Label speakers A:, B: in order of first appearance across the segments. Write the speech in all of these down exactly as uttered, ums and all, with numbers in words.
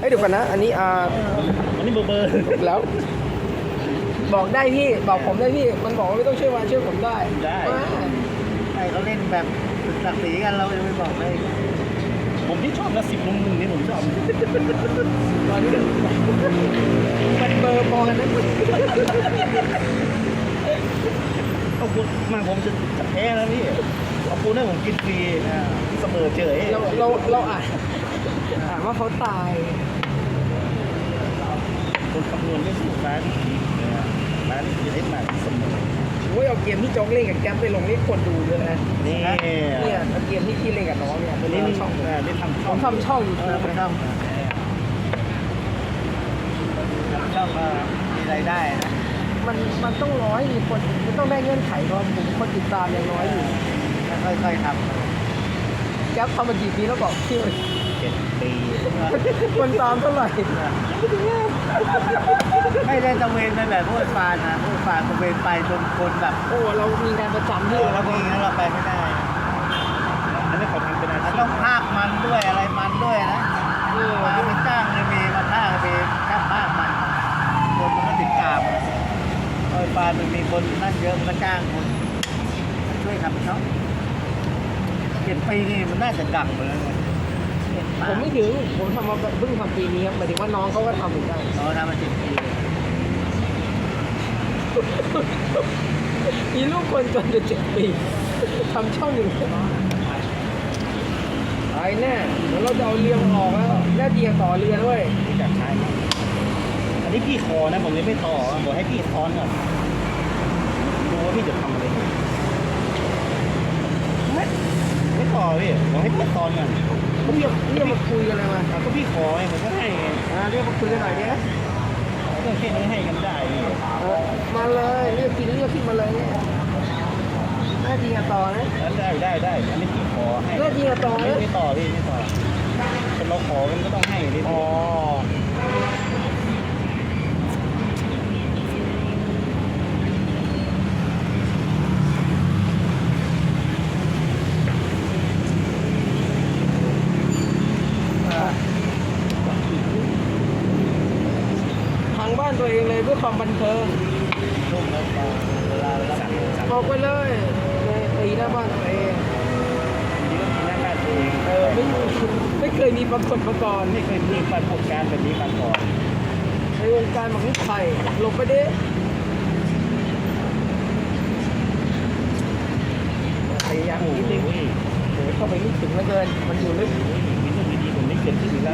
A: เดี๋ยวก่อนนะอันนี้อ่า
B: อันนี้เบอร์เบอร์
A: แล้วบอกได้พี่บอกผมได้พี่มันบอกว่าไม่ต้องช่วยวานช่วยผมได้
B: ได้
C: ใช่เขาเล่นแบบศึกศักดิ์ศรีกันเราจะไปบอกเลย
B: ผมที่ชอบนะสิบลงหนึ่งนี่ผมชอบ
A: ตอนนี้มันเบอร์พอกันนะ
B: เอาคุณมาผมจะจะแพ้แล้วพี่เอาคุณให้ผมกินฟรีนะเสมอเฉย
A: เราเราเราอ่านอ่านว่าเขาตาย
B: คนคำนวณไม่ถูกร้านนะร้านจะได้มาเสมอ
A: โอ้ยเอาเกมที่โจ๊กเล่นกับแก๊ปไปลงนี่คนดูเยอะนะ
B: นี่
A: เนี่ยเอาเกมที่พี่เล่นกับน้องเนี่ย
B: วันนี้นี่
A: ช่อง
B: ได้ทำ
A: ผ
B: ช่อง
A: มทำช่องอยู่
C: เออ
A: นะ
C: ไปทำช่องมามีรายได้นะ
A: มันมันต้องร้อยมีคนมันต้องได้เงื่อนไขเพราะผมคนติดตามยังน้อยอยู่
C: แล้วค่อยๆท
A: แก๊ปทำมากี่ปีแล้วบอกพี่
B: เจ็ดปี
A: คนตามเท่าไหร่
C: ำไม่ได้ตะเวนไปแบบพวกฟานนะพวกฟานตะเวนไปจนคนแบบ
A: โอ้เรามีงานประจำ
C: เอ
A: ที่
C: อแล้วมีแล้วเราไปไม่ได้
B: อันนี้เขาทำเป็นอา
C: เรา
B: ชี
C: ต้
B: พ
C: องภาคมันด้วยอะไรมันด้วยนะ
A: เออ
C: มาเป็นจ้างเลยมีมาภาคมีแค่ภาคมันคนมันก็ติดตามโอ้ยฟานมันมีคนนั่นเยอะมันก็จ้างคนช่วยทำช่องเจ็ดปีนี่มันน่าจะดังเลยนะ
A: ผมไม่ถึงผมทำมาเพิ่งทำปีนี้ครับหมายถึงว่าน้องเขาก็ทำเหมือนกัน
C: เราทำมาเจ็ดปีเลย
A: มีลูกคนจนจะเจ็ดปีทำช่องหนึ่งไอ้แน่เดี๋ยวเราจะเอาเรือมาออกแล้วแน่เดียต่อเรือด้วย
B: ที่จะใช้มั้งอันนี้พี่คอนะผมยังไม่ต่อบอกให้พี่ซ้อนก่อนดูว่าพี่จะทำอะไรไม่ไม่ต่อพี่บอกให้พี่ซ้อนก่อน
A: เขาเรียกเรียกมาคุยกันเลยมา
B: อ่ะก็พี่ขอไงผมก็ให้ไง
A: อ่าเรียกมาคุยกันหน่อยเนี้ย
B: เรื่องแค่นี้ให้กันได้นี่
A: เออมาเลยเรียกกินเรียกขึ้นมาเลยเนี่ยแน่เดียต่อนะ
B: แล้วได้ได้ได้อันนี้พี่ขอให้
A: แน่เดียต่อ
B: ไม่
A: นะ
B: ไม่ต่อพี่ไม่ต่อคนเราขอกันก็ต้องให้ดิ
A: อ๋อทางบ้านตัวเองเลยเพื่อความบันเทิง
C: ลุ่มแล้วพอเวลารับ
B: สั่ง
C: เงิน
B: สั่ง
A: ออกไปเลยตีหน้าบ้านตัวเอง
B: ดีก็กินหน้าบ้านตัวเอง
A: เออไม่ไม่เคยมีปรากฏมาก่อน
B: ไม่เคยมีประสบการณ์แบบนี้มาก่อน
A: ในวงการหมักลุกไข่หลบไปดิพยายาม
B: โอ้
A: นิดนึง
B: โห
A: เดี๋ยวเข้าไปลึกถึงเหลือเกิน มันอยู่ลึก
B: มีเรื่องดีๆผมไม่เกิดขึ้นอีกแล้ว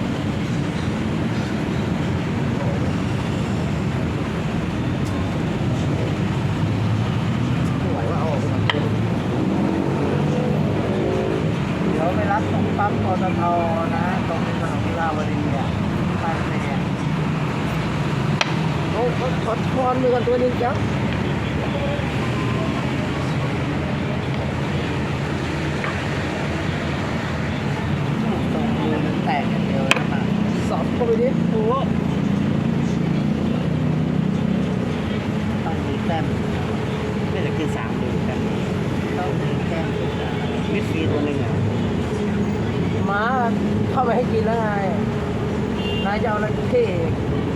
A: ไม่ไหวว่าเอาออกไปทำเอง
C: เดี๋ยวไปรับตรงปั๊มปตทนะตรงถนนวิภาวดีอ่ะบ้านเนี่ย
A: โอ้เขาขอทอนมือกันตัวหนึงจ้ะ
C: ตรงมือมันแตกอย่างเดียวนะมา
A: สับเข้าไปดิโอ้โห
C: ต้องมีแต้ม
B: ไม่จะกินสามตัวกัน
C: ต้องมีแต้มสุดอ่ะ
B: มิดฟรีตัวหนึ่งอ่ะ
A: หมาเข้าไปให้กินแล้วไงนายจะเอาอะไรกินเค้ก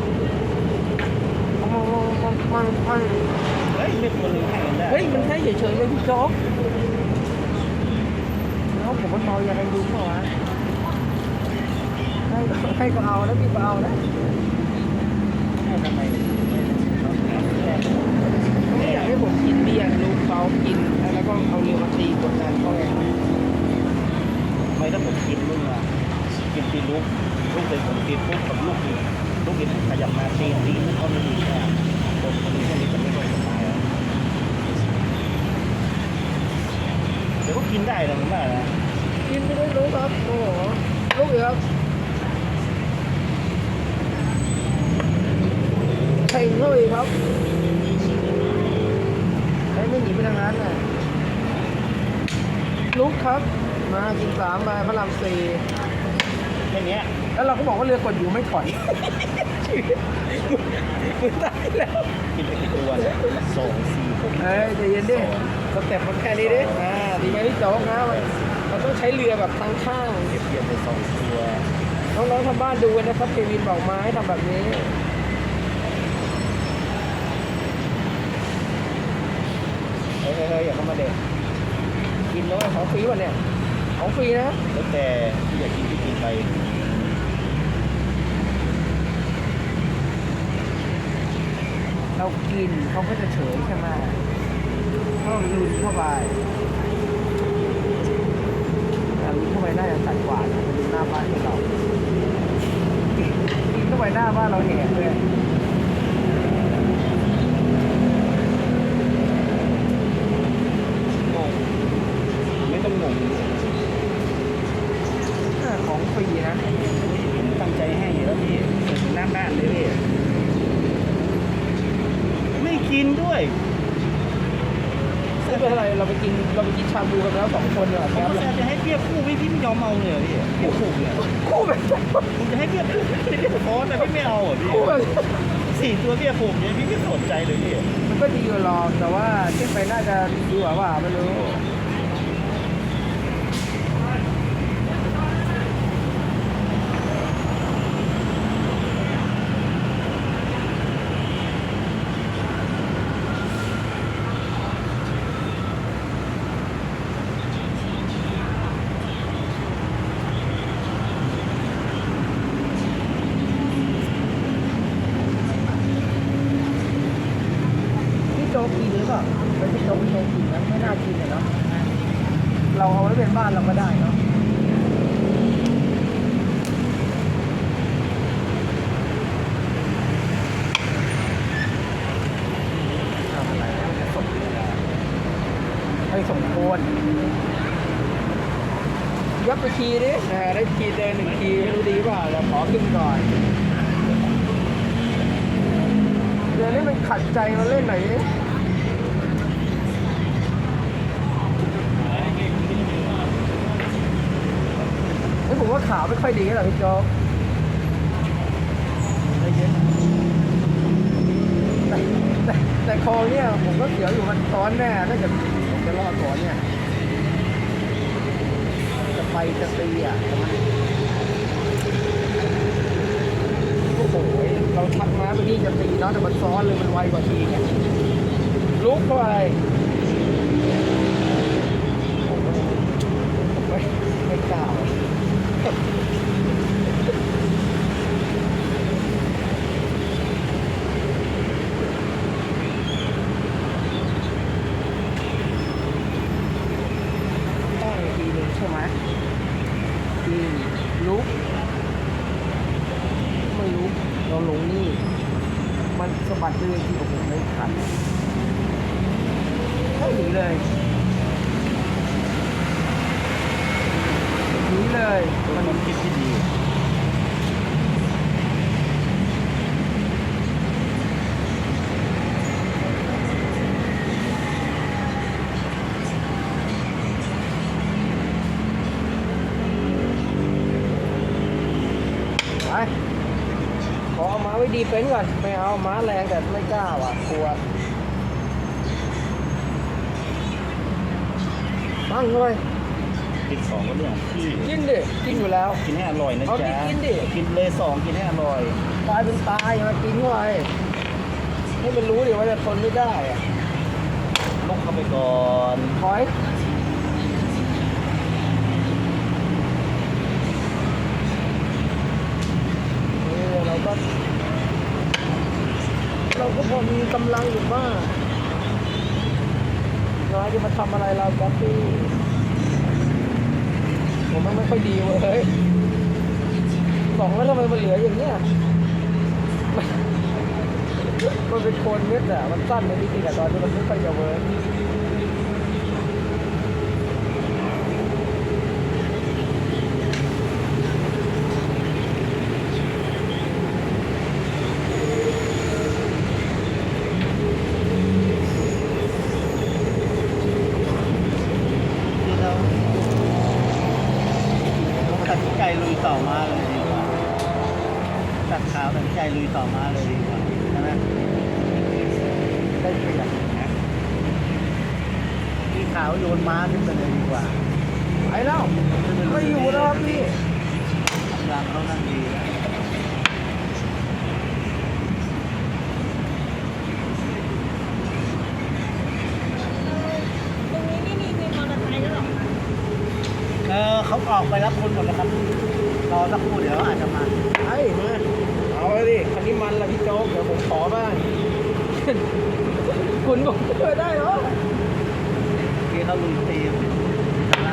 A: มันมันมันมัน
B: เฮ้ยไม่ตัวหนึ่งให้กันได้
A: เฮ้ยมันแค่เฉยๆเลยพี่โจ๊กแล้วผมมันเมาอย่างไรดูเปล่าวะให้ให้ก็เอาแล้วพี่ก็เอานะ
C: ให้ทำไมต้องมีแต้ม
A: ไม่อยากให้ผมกินเบียร์ลูกเขากินแล้วก็เอาเรือมาตีกดดันเขาไง
B: ไม่ถ้าผมกินมึงอ่ะกินตีลูกลูกเลยผมกินปุ๊บกับลูกอีกลูกอีกขยับมาตีตีมันก็ไม่ดีแค่คนคนนี้แค่นี้จะไม่ค่อยสบายอ่ะเดี๋ยวก็กินได้นะผมว่านะ
A: กินไม่ได้รู้ครับโอ้โหลูกเอือกใส่เข้าอีกครับใช้ไม่หนีไปทางนั้นน่ะลุกครับ มากินสามใบพระรามสี่
B: แค่เนี้ย
A: แล้วเราก็บอกว่าเรือกดอยู่ไม่ถอยมึงตายแล้ว
B: กินไปกี่ตัวเนี่ยสองสี่หก
A: เฮ้ยใจเย็นดิสเต็ปมันแค่นี้ดิอ่าดีไหมพี่โจ๊กนะมันมันต้องใช้เรือแบบทางข้าง
B: เก็บเกี่ยวไปสองตัว
A: สน้องๆทำบ้านดูกันนะครับเควินบอกมาให้ทำแบบนี้เฮ้ยเฮ้ยอย่าเข้ามาเด็กกินแล้วของฟรีวะเนี่ยของฟรีนะ
B: แล้วแต่ที่อยากกินที่กินไป
A: เรากินเขาก็จะเฉยใช่ไหมถ้าเราลุยเข้าไปแต่ลุยเข้าไปได้จะสัดกว่านะไปดูหน้าบ้านของเรากินเข้าไปหน้าบ้านเราแหกเลย
B: งงไม่ต้องงง
A: ของฟรีนะ
B: ผมตั้งใจให้แล้วพี่เสร็จหน้าบ้านเลยพี่ไม่กินด้วย
A: ไม่เป็นไรเราไปกินเราไปกินชาบูกันแล้วสองคนเนี่ย
B: ผม
A: แป๊บ
B: ก็
A: เลย
B: จะให้เบี้ยคู่พี่พี่ไม่ยอมเอาเลยเหรอพี่เบี้ยคู่เนี่ย
A: คู่แบบ
B: ผมจะให้เบี้ยคู่ไม่ได้ฟอนแต่พี่ไม่เอาเหรอพี่
A: คู่แบบ
B: สี่ตัวเบี้ยคู่เนี่ยพี่ไม่สนใจเลยพี่
A: มันก็ดีกว่าหรอกแต่ว่าขึ้นไปน่าจะดีกว่าว่าไม่รู้พี่โจ๊กกินหรือเปล่าเป็นพี่โจ๊กพี่โจ๊กกินนะไม่น่ากินเลยเนาะเราเอาไว้เป็นบ้านเราก็ได้เนาะทำอะไรแล้วเนี่ยส่งไปส่งโคนยับไปคีดิแหมได้คีเดินหนึ่งคีไม่รู้ดีเปล่าเราขอขึ้นก่อนเดี๋ยวนี้มันขัดใจมาเล่นไหนอยดิเฮ้ยผมว่าขาวไม่ค่อยดีหรอกพี่โจ๊กแต่แต่แต่คอเนี่ยผมก็เสียวอยู่มันซ้อนแน่ถ้าเกิดผมจะรอดก่อนเนี่ยจะไปจะตีอ่ะแต่มันโอ้โหเราทักมาไปนี่จะตีเนาะแต่มันซ้อนเลยมันไวกว่าทีไงลุกเข้าไปโอ้โหไม่ไม่กล้าต้องอีกทีหนึ่งใช่ไหมทีลุกไม่ลุกเราลงนี่มันสะบัดเลยที่โอ้โหไม่ทันไม่หนีเลยหนีเลย
B: มันความคิดที่ดี
A: ไปขอเอาม้าไว้ดีเฟนส์ก่อนไม่เอาม้าแรงแต่ไม่กล้าว่ะกลัวตั้งเลย
B: กินสองก็เรื่องของพี่
A: กินดิกินอยู่แล้ว
B: กินให้อร่อยนะ
A: เอาดิ
B: จ๊ะ
A: กินดิ
B: กินเลยสองกินให้อร่อย
A: ตายเป็นตายมากินเข้าไปให้มันรู้ดิว่าจะทนไม่ได้อะ
B: ลุกเข้าไปก่อน
A: ถอยเออเราก็เราก็พอมีกำลังอยู่บ้างน้อยจะมาทำอะไรเราแก๊ปปี้ผมมันไม่ค่อยดีเว้ยสองแล้วทำไมมันเหลืออย่างเนี้ยมันมันเป็นโคนเม็ดอะมันสั้นในที่จริงอะตอนนี้มันไม่ค่อยจะเวิร์ก
C: ที่เราตัดสินใจลุยต่อมาเลยดีกว่าตัดขาวตัดสินใจลุยต่อมาเลยดีกว่าใช่ไหม
A: ได้เปรียบ
C: นะที่ขาวโยนม้าขึ้นไปเลยดีกว่า
A: ไปแล้วไม่อยู่แล้วครับพี่
C: หลังเขานั่งดีแล้ว
D: ตรงนี้ไม่มีวินมอเตอร์ไซค์แล้วหรอ
C: เออเขาออกไปรับคนหมดแล้วครับรอสักครู่เดี๋ยวอาจจะมา
A: ไอ้มาเอาเลยดิคันนี้มันละพี่โจ๊กเดี๋ยวผมขอบ้าง คุณบอกเออได้เหรอ
C: ที่เขาลุยตีข้างล่าง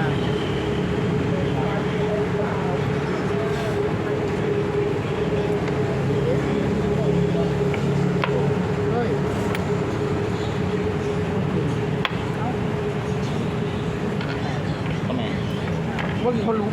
A: เฮ้ย
B: ทำไม
A: ว่ามีคนรู้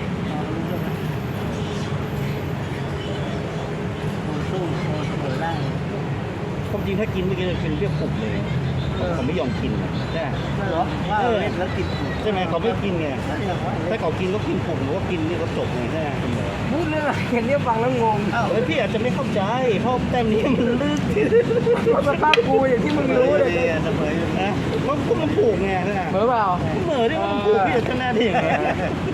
C: สู้เสมอได้
B: ความจริงถ้ากินเมื่อกี้จะเป็นเรียกปลุกเลยเขาไม่ยอมกินนะใช่ไหม
C: เหรอว่าเล่นแล้วติดถูก
B: ใช่ไหมเขาไม่กินไง
C: นั่นแหละว่า
B: ถ้าเขากินก็กินปลุกหรือว่ากินนี่ก็จบไงใช่ไหม
A: พูดเรื่องอะไรกันเนี่ยฟังแล้วงง
C: อ้าว
B: เฮ้ยพี่อาจจะไม่เข้าใจเพราะแต้มนี้มันลึก
A: เพราะสภาพกูอย่างที่มึงรู้เลย
C: เสมออยู่
B: นะเพราะพวกมันผูกไงใช่ไหม
A: เหมือนเปล่า
B: เหมือนที่มันผูกพี่อาจจะหน้าที่อย่างเงี้ย